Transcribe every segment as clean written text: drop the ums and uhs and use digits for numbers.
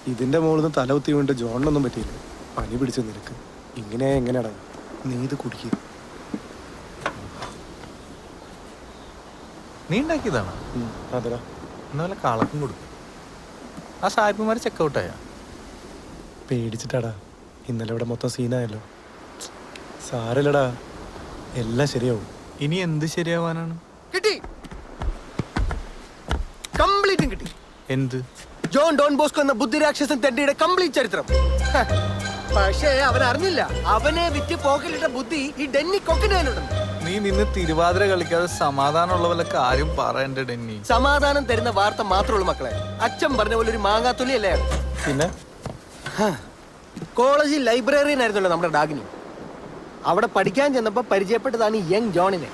ഇതിന്റെ മുകളിൽ നിന്ന് തല കുത്തി വീണ്ട് ജോണിനൊന്നും പറ്റിയില്ല. പനി പിടിച്ച് നിനക്ക് ഇങ്ങനെ എങ്ങനെയാടാ? നീ ഇത് കുടിക്കുക. നീ ഉണ്ടാക്കിയതാണോ? അതെടാ. എന്നാ കളക്കം കൊടുക്കും. ആ സായിപ്പുമാർ ചെക്കൗട്ടായ പേടിച്ചിട്ടാടാ. ഇന്നലെ ഇവിടെ മൊത്തം സീനായല്ലോ. സാരല്ലടാ, എല്ലാം ശരിയാവും. ഇനി എന്ത് ശരിയാവാനാണ്? കിട്ടി, കംപ്ലീറ്റും കിട്ടി. എന്ത്? ജോൺ ഡോൺ ബോസ്കോ എന്ന ബുദ്ധിരാക്ഷസൻ തെണ്ടിയുടെ കംപ്ലീറ്റ് ചരിത്രം. പക്ഷേ അവൻ അറിഞ്ഞില്ല, അവനെ വിറ്റ് പോക്കലിട്ട ബുദ്ധി ഈ ഡെന്നി കൊക്കിനുണ്ടെന്ന്. നീ നിന്ന് തിരുവാതിര കളിക്കാതെ സമാധാനമുള്ള വല്ല കാര്യം പറയണ്ട ഡെന്നി. സമാധാനം തരുന്ന വാർത്ത മാത്രമുള്ളൂ മക്കളെ. അച്ഛൻ പറഞ്ഞ പോലെ ഒരു മാങ്ങാത്തുള്ളി അല്ലേ അയാൾ. പിന്നെ കോളേജിൽ ലൈബ്രറിയൻ ആയിരുന്നല്ലോ നമ്മുടെ ഡാഗിനി. അവിടെ പഠിക്കാൻ ചെന്നപ്പോ പരിചയപ്പെട്ടതാണ് ഈ യങ് ജോണിനെ.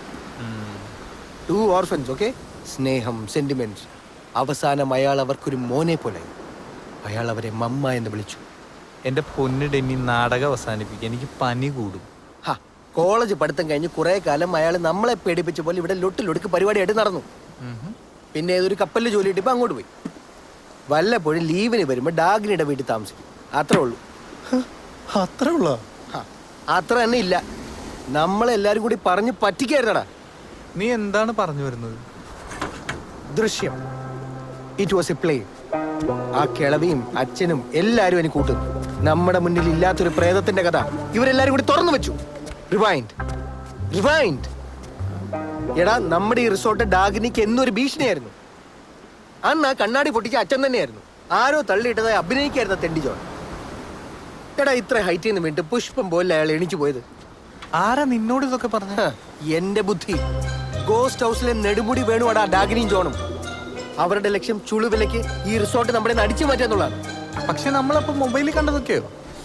2 ഓർഫൻസ്. ഓക്കെ, സ്നേഹം, സെന്റിമെന്റ്സ്. അവസാനം അയാൾ അവർക്കൊരു മോനെ പോലെ. അയാൾ അവരെ മമ്മ എന്ന് വിളിച്ചു. എന്റെ പൊന്ന് ഡെന്നി, നാടകം അവസാനിപ്പിക്കുക. എനിക്ക് പനി കൂടും. കോളേജ് പഠിത്തം കഴിഞ്ഞ് കുറെ കാലം അയാൾ നമ്മളെ പേടിപ്പിച്ച പോലെ ഇവിടെ ലൊട്ടിലൊടുക്ക് പരിപാടിയായിട്ട് നടന്നു. പിന്നെ ഏതൊരു കപ്പലിൽ ജോലി കിട്ടിയപ്പോ അങ്ങോട്ട് പോയി. വല്ലപ്പോഴും ലീവിന് വരുമ്പോ ഡാഗിനിയുടെ വീട്ടിൽ താമസിക്കും. അത്രേ ഉള്ളൂ. അത്രേ ഉള്ളോ? അത്ര തന്നെ ഇല്ല. നമ്മളെല്ലാരും കൂടി പറഞ്ഞു പറ്റിക്കായിരുന്നടാ. നീ എന്താണ് പറഞ്ഞു വരുന്നത്? Drishyam. It was a play. ആ കിളവിയും അച്ഛനും എല്ലാരും എനിക്ക് കൂട്ടുന്നു. നമ്മുടെ മുന്നിൽ ഇല്ലാത്തൊരു പ്രേതത്തിന്റെ കഥ ഇവരെല്ലാരും കൂടി തുറന്നു വെച്ചു. Rewind, rewind. എടാ, നമ്മുടെ ഈ റിസോർട്ട് ഡാഗിനിക്ക് എന്നൊരു ഭീഷണിയായിരുന്നു. അന്ന് ആ കണ്ണാടി പൊട്ടിച്ച അച്ഛൻ തന്നെയായിരുന്നു. ആരോ തള്ളിയിട്ടതായി അഭിനയിക്കായിരുന്ന തെണ്ടി ജോൺ. എടാ, ഇത്ര ഹൈറ്റിൽ നിന്ന് വീണ്ടും പുഷ്പം പോലെ അയാൾ എണിച്ചു പോയത്. ആരാ നിന്നോട് ഇതൊക്കെ പറഞ്ഞ? എന്റെ ബുദ്ധി. ഗോസ്റ്റ് ഹൗസിലെ നെടുമുടി വേണുവാടാ ഡാഗിനിയും ജോണും. അവരുടെ ലക്ഷ്യം ചുളുവിലക്ക് ഈ റിസോർട്ട് നമ്മുടെ അടിച്ചു മാറ്റാന്നുള്ളതാണ്. പക്ഷെ നമ്മളപ്പോ മൊബൈലിൽ കണ്ടതൊക്കെയോ?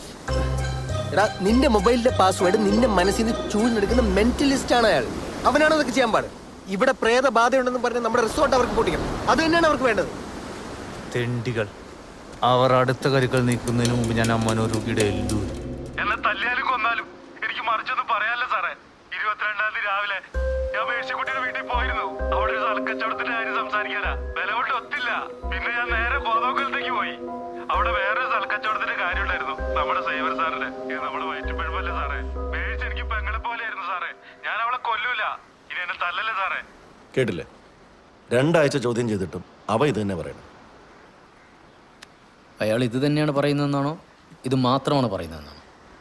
എടാ, നിന്റെ മൊബൈലിന്റെ പാസ്വേഡ് നിന്റെ മനസ്സിൽ നിന്ന് ചൂഴ്ന്നെടുക്കുന്ന മെന്റലിസ്റ്റ് ആണ് അയാൾ. അവനാണോ അതൊക്കെ ചെയ്യാൻ പാട്? ഇവിടെ പ്രേത ബാധയുണ്ടെന്ന് പറഞ്ഞ് നമ്മുടെ റിസോർട്ട് അവർക്ക് പൊട്ടിക്കണം. അത് തന്നെയാണ് അവർക്ക് വേണ്ടത്. തെണ്ടികൾ. അവർ അടുത്ത കരുക്കൾ നീക്കുന്നതിന് മുമ്പ് ഞാൻ അമ്മനോരുകിയുടെ എന്നെ തല്ലിയാലും കൊന്നാലും എനിക്ക് മറിച്ചൊന്നും പറയാനല്ല സാറേ. 22-ാം തീയതി രാവിലെ ഞാൻ മേഴ്സിക്കുട്ടിയുടെ വീട്ടിൽ പോയിരുന്നു. അവിടെ ഒരു സ്ഥലക്കച്ചവടത്തിന്റെ കാര്യം സംസാരിക്കാനാ. വില കൊണ്ട് ഒത്തില്ല. പിന്നെ ഞാൻ നേരെ ബോധോക്കലത്തേക്ക് പോയി. അവിടെ വേറൊരു സ്ഥലക്കച്ചവടത്തിന്റെ കാര്യം ഉണ്ടായിരുന്നു, നമ്മുടെ സൈവർ സാറിന്റെ. ഇത് നമ്മുടെ വയറ്റിപ്പഴമല്ലേ സാറേ. മേഴ്സ് എനിക്ക് പെങ്ങളെ പോലെയായിരുന്നു സാറേ. ഞാൻ അവളെ കൊല്ലൂല. ഇനി എന്നെ തല്ലല്ലേ സാറേ. കേട്ടില്ലേ? 2 ആഴ്ച ചോദ്യം ചെയ്തിട്ടും അവ ഇത് തന്നെ പറയണം. അയാൾ ഇത് തന്നെയാണ് പറയുന്നതെന്നാണോ ഇത് മാത്രമാണ് പറയുന്നതെന്നാണോ?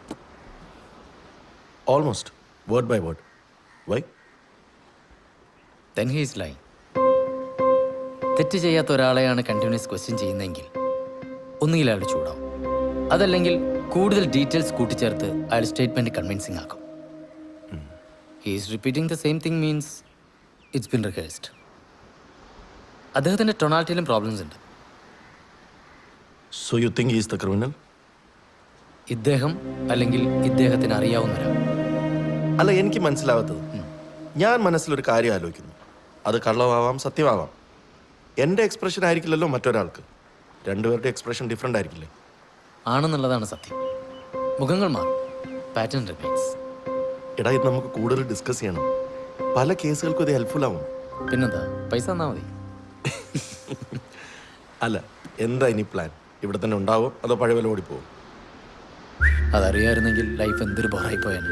Almost word by word. Why? Then he is lying. തെറ്റ് ചെയ്യാത്ത ഒരാളെയാണ് കണ്ടിന്യൂസ് ക്വസ്റ്റ്യൻ ചെയ്യുന്നതെങ്കിൽ ഒന്നുകിൽ അയാൾ ചൂടാവും, അതല്ലെങ്കിൽ കൂടുതൽ ഡീറ്റെയിൽസ് കൂട്ടിച്ചേർത്ത് അയാൾ സ്റ്റേറ്റ്മെന്റ് കൺവിൻസിങ് ആക്കും. He is repeating the same thing means it's been rehearsed. അദ്ദേഹത്തിൻ്റെ ടൊണാലിറ്റിയിലും പ്രോബ്ലംസ് ഉണ്ട്. So you think he is the criminal? ഇദ്ദേഹം അല്ലെങ്കിൽ ഇദ്ദേഹത്തിന് അറിയാവുന്ന ഒരാൾ. അല്ല, എനിക്ക് മനസ്സിലാവാത്തത്, ഞാൻ മനസ്സിലൊരു കാര്യം ആലോചിക്കുന്നു. അത് കള്ളമാവാം, സത്യമാവാം. എൻ്റെ എക്സ്പ്രഷൻ ആയിരിക്കില്ലല്ലോ മറ്റൊരാൾക്ക്. 2 പേരുടെ എക്സ്പ്രഷൻ ഡിഫറെൻ്റ് ആയിരിക്കില്ലേ? ആണെന്നുള്ളതാണ് സത്യം. മുഖങ്ങൾ മാറും, പാറ്റേൺ റിമൈൻസ്. എടാ, ഇത് നമുക്ക് കൂടുതൽ ഡിസ്കസ് ചെയ്യണം. പല കേസുകൾക്കും ഇത് ഹെൽപ്ഫുൾ ആവും. പിന്നെന്താ, പൈസ തന്നാൽ മതി. അല്ല, എന്താ ഇനി പ്ലാൻ? ഇവിടെ തന്നെ ഉണ്ടാവോ അതോ പഴയ വില ഓടിപ്പോവും? അതറിയായിരുന്നെങ്കിൽ ലൈഫ് എന്തൊരു ബോറായി പോയാണ്.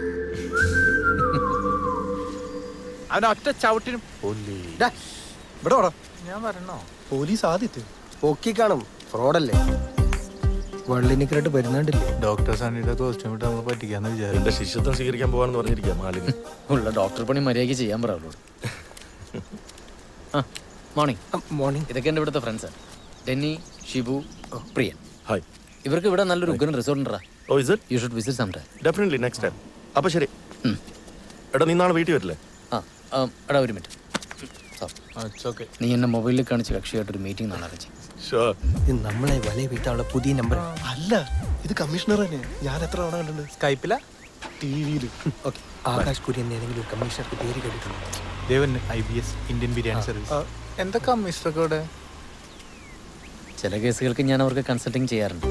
അവനൊറ്റ ചവിട്ടിനും ഇവിടെ വാടാ. ഞാൻ വരണോ? പോലീസ് ആദ്യത്തെ പൊക്കി കാണും. ഫ്രോഡല്ലേ? വള്ളിനിക്കരായിട്ട് വരുന്നുണ്ടില്ലേ? ഡോക്ടർ സണ്ണിയുടെ കോസ്റ്റ്യൂം ഇട്ട് നമ്മൾ പറ്റിക്കാന്ന് വിചാരിച്ചു. എൻ്റെ ശിഷ്യത്വം സ്വീകരിക്കാൻ പോകാന്ന് പറഞ്ഞിരിക്കുക മാലിന്. ഉള്ള ഡോക്ടർ പണി മര്യാദയ്ക്ക് ചെയ്യാൻ പറയാവുള്ളൂ. ആ, മോർണിംഗ്. മോർണിംഗ്. ഇതൊക്കെ എൻ്റെ ഇവിടുത്തെ ഫ്രണ്ട്സാണ്. ഡെന്നി, ഷിബു, പ്രിയൻ. ഹായ്. ഇവർക്ക് ഇവിടെ നല്ലൊരു ഉഗ്രൻ റിസോർട്ട് ഉണ്ടാ. Oh, is it? You should visit some time. Definitely, next time. അപ്പോൾ ശരി. എടാ, നീ നാളെ വീട്ടിൽ വരില്ലേ? എടാ ഒരു മിനിറ്റ്. ഓക്കെ. നീ എന്നെ മൊബൈലിൽ കാണിച്ച് കക്ഷിയായിട്ടൊരു മീറ്റിംഗ് നാളെ അറേഞ്ച് ചെയ്യും. ഇത് നമ്മളെ വലയ വീട്ടാനുള്ള പുതിയ നമ്പർ അല്ല, ഇത് കമ്മീഷണർ തന്നെ. ഞാൻ എത്ര തവണ കണ്ടിട്ടുണ്ട് സ്കൈപ്പില, ടിവിയിൽ. ഓക്കെ. ആകാശ് കുര്യൻ ഏതെങ്കിലും ഒരു കമ്മീഷണർക്ക് പേര് കേട്ടിട്ടുണ്ടോ? Devan IBS Indian biryani service. എന്തൊക്കെ കമ്മീഷണർക്ക് ഇവിടെ? ചില കേസുകൾക്ക് ഞാൻ അവർക്ക് കൺസൾട്ടിങ് ചെയ്യാറുണ്ട്.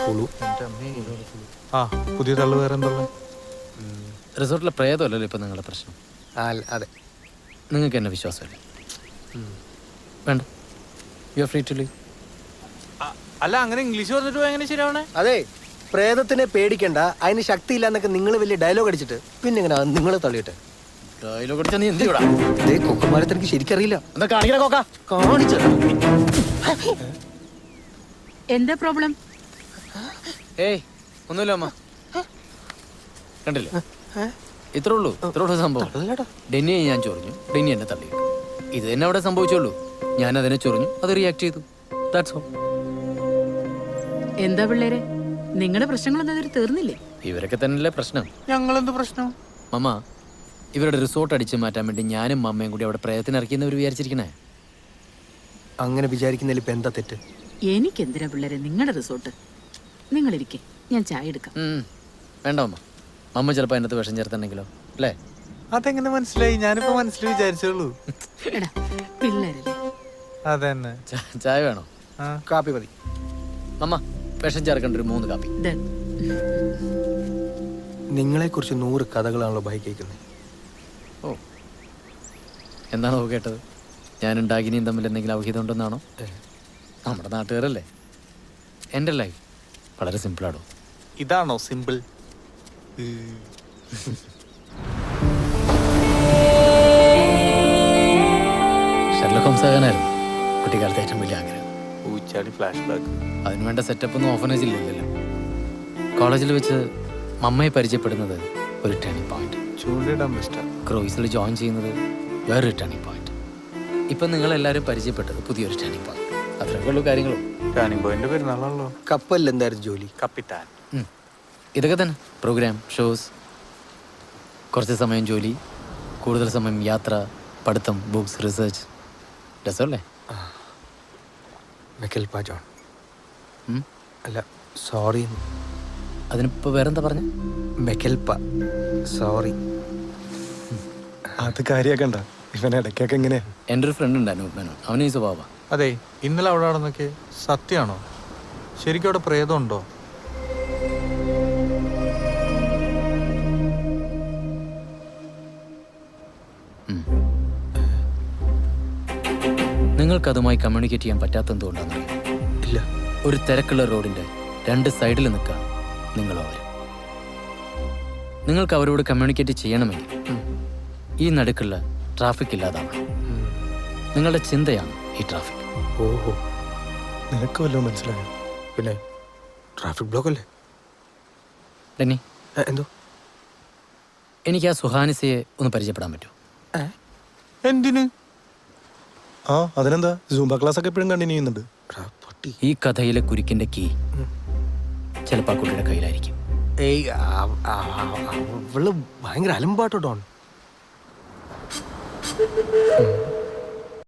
ആ, പുതിയ തള്ളു വേറെ എന്താ? റിസോർട്ടിലെ പ്രേതമല്ലല്ലോ ഇപ്പം നിങ്ങളുടെ പ്രശ്നം. അതെ. നിങ്ങൾക്ക് എന്നെ വിശ്വാസമല്ലേ? വേണ്ട, you are free to leave. അല്ല അങ്ങനെ ഇംഗ്ലീഷ് പറഞ്ഞിട്ട് പോയാ എങ്ങനെ ശരിയാവണേ? അതെ, പ്രേതത്തിനെ പേടിക്കണ്ട, അതിന് ശക്തിയില്ല എന്നൊക്കെ നിങ്ങൾ വലിയ ഡയലോഗ് അടിച്ചിട്ട് പിന്നെ എങ്ങനെ നിങ്ങൾ തള്ളിയിട്ട് ഡയലോഗ് അടിച്ചാ നീ എന്ത് ചെയ്യൂടാ? ഇതേ കൊക്കുമാരത്തെ എനിക്ക് ശരിക്കറിയില്ല. എന്താ കാണിക്കണ കോക്ക? കാണിച്ചു എന്താ പ്രോബ്ലം? ഏയ് ഒന്നുമില്ല അമ്മ, കണ്ടില്ലേ? ഇത്രേ ഉള്ളൂ സംഭവം. ഡെന്നിയെ ഞാൻ ചൊറിഞ്ഞു, ഡെന്നി എന്നെ തള്ളി. ഇത് തന്നെ അവിടെ സംഭവിച്ചുള്ളൂ. ഞാൻ അതിനെ ചൊറിഞ്ഞു, അത് റിയാക്ട് ചെയ്തു. That's all. എന്താ പിള്ളേരെ, നിങ്ങളുടെ പ്രശ്നങ്ങളൊന്നും അതിൽ തീർന്നില്ലേ? ഇവരൊക്കെ തന്നെയല്ലേ പ്രശ്നം. ഞങ്ങളെന്ത് പ്രശ്നം? മമ്മ, ഇവരുടെ റിസോർട്ട് അടിച്ചു മാറ്റാൻ വേണ്ടി ഞാനും മമ്മയും കൂടി അവിടെ പ്രയത്നം ഇറക്കിയെന്നവർ വിചാരിച്ചിരിക്കണേ. അങ്ങനെ വിചാരിക്കുന്നതിൽ ഇപ്പൊ എന്താ തെറ്റ്? എനിക്കെന്തിനാ പിള്ളേരെ നിങ്ങളുടെ റിസോർട്ട്? നിങ്ങളിരിക്കെ, ഞാൻ ചായ എടുക്കാം. വേണ്ട മമ്മ, മമ്മ ചിലപ്പോൾ അതിനകത്ത് വിഷം ചേർത്തുണ്ടെങ്കിലോ അല്ലേ? അതെങ്ങനെ മനസ്സിലായി? ഞാനിപ്പോ മനസ്സിൽ വിചാരിച്ചുള്ളൂ. എടാ പിള്ളേരല്ലേ. അതന്നെ. ചായ വേണോ? കാപ്പി മതി. മമ്മ, വിഷം ചേർക്കേണ്ട ഒരു 3 കാപ്പി. ദേ, നിങ്ങളെ കുറിച്ച് 100 കഥകളാണല്ലോ ബൈ കേൾക്കുന്നത്. ഓ, എന്താണോ കേട്ടത്? ഞാനും ഡാഗിനിയും തമ്മിൽ എന്തെങ്കിലും ഔഹിതം ഉണ്ടെന്നാണോ? നമ്മുടെ നാട്ടുകാരല്ലേ. എൻ്റെ ലൈഫ് വളരെ സിമ്പിളാണോ? ഇതാണോ സിമ്പിൾ? ഷെർലക് ഹോംസ് ആകാനായിരുന്നു കുട്ടിക്കാലത്തെ ഏറ്റവും വലിയ ആഗ്രഹം. ഊച്ചാടി ഫ്ലാഷ് ബാക്ക്. അതിനുവേണ്ട സെറ്റപ്പ് ഒന്നും ഓഫനേജില്ലല്ലോ. കോളേജിൽ വെച്ച് മമ്മയെ പരിചയപ്പെടുന്നത് ഒരു ടേണിംഗ് പോയിന്റ്. ചൂണ്ടിടാൻ ബെസ്റ്റാ. ക്രൂയിസിൽ ജോയിൻ ചെയ്യുന്നത് വേറൊരു ടേണിംഗ് പോയിന്റ്. ഇപ്പം നിങ്ങളെല്ലാവരും പരിചയപ്പെട്ടത് പുതിയൊരു ടേണിംഗ് പോയിന്റ്. അത്രയൊക്കെ ഉള്ളൂ കാര്യങ്ങളും. ടേണിംഗ് പോയിന്റ് പെരുന്നാളാണല്ലോ. കപ്പലിൽ എന്തായിരുന്നു ജോലി? കപ്പിത്താൻ. ഇതൊക്കെ തന്നെ. പ്രോഗ്രാം, ഷോസ്, കുറച്ച് സമയം ജോലി, കൂടുതൽ സമയം യാത്ര, പഠിത്തം, ബുക്സ്, റിസർച്ച്. രസമല്ലേ? മെക്കൽപ ജോൺ. ഉം. അല്ല, സോറി. അതിനിപ്പോൾ വേറെന്താ പറഞ്ഞ? മെക്കൽപ, സോറി. അത് കാര്യാക്കണ്ട, ഇവൻ ഇടയ്ക്കൊക്കെ എങ്ങനെയാ. എൻ്റെ ഒരു ഫ്രണ്ട് ഉണ്ട് അനൂപ് മേനോൻ. അവന് ഈ സ്വഭാവമാണ്. അതെ, ഇന്നലെ അവിടെ നടന്നൊക്കെ സത്യമാണോ? ശരിക്കും അവിടെ പ്രേതം ഉണ്ടോ? നിങ്ങൾക്കതുമായി കമ്മ്യൂണിക്കേറ്റ് ചെയ്യാൻ പറ്റാത്തെന്തുകൊണ്ടാണെന്നറിയോ? ഇല്ല. ഒരു തിരക്കുള്ള റോഡിൻ്റെ 2 സൈഡിൽ നിൽക്കാം നിങ്ങളോ അവർ. നിങ്ങൾക്ക് അവരോട് കമ്മ്യൂണിക്കേറ്റ് ചെയ്യണമെങ്കിൽ ഈ നടുക്കുള്ള ട്രാഫിക് ഇല്ലാതാവണം. നിങ്ങളുടെ ചിന്തയാണ് ഈ ട്രാഫിക്. ഓഹോ, നിനക്ക് വല്ലതും മനസ്സിലായോ? പിന്നെ ട്രാഫിക് ബ്ലോക്ക് അല്ലേ? ഡെന്നി, എന്തോ? എനിക്ക് ആ സുഹാനിസയെ ഒന്ന് പരിചയപ്പെടാൻ പറ്റുമോ? എന്തിന്? ആ, അതിനെന്താ, സൂംബ ക്ലാസ് ഒക്കെ എപ്പോഴും കണ്ടിന്യൂ ചെയ്യുന്നുണ്ട്. ഈ കഥയിലെ കുരുക്കിന്റെ കീ ചിലപ്പോൾ ആ കുട്ടിയുടെ കയ്യിലായിരിക്കും. ഏയ്, അവള് ഭയങ്കര അലമ്പാട്ടോ ഡോൺ.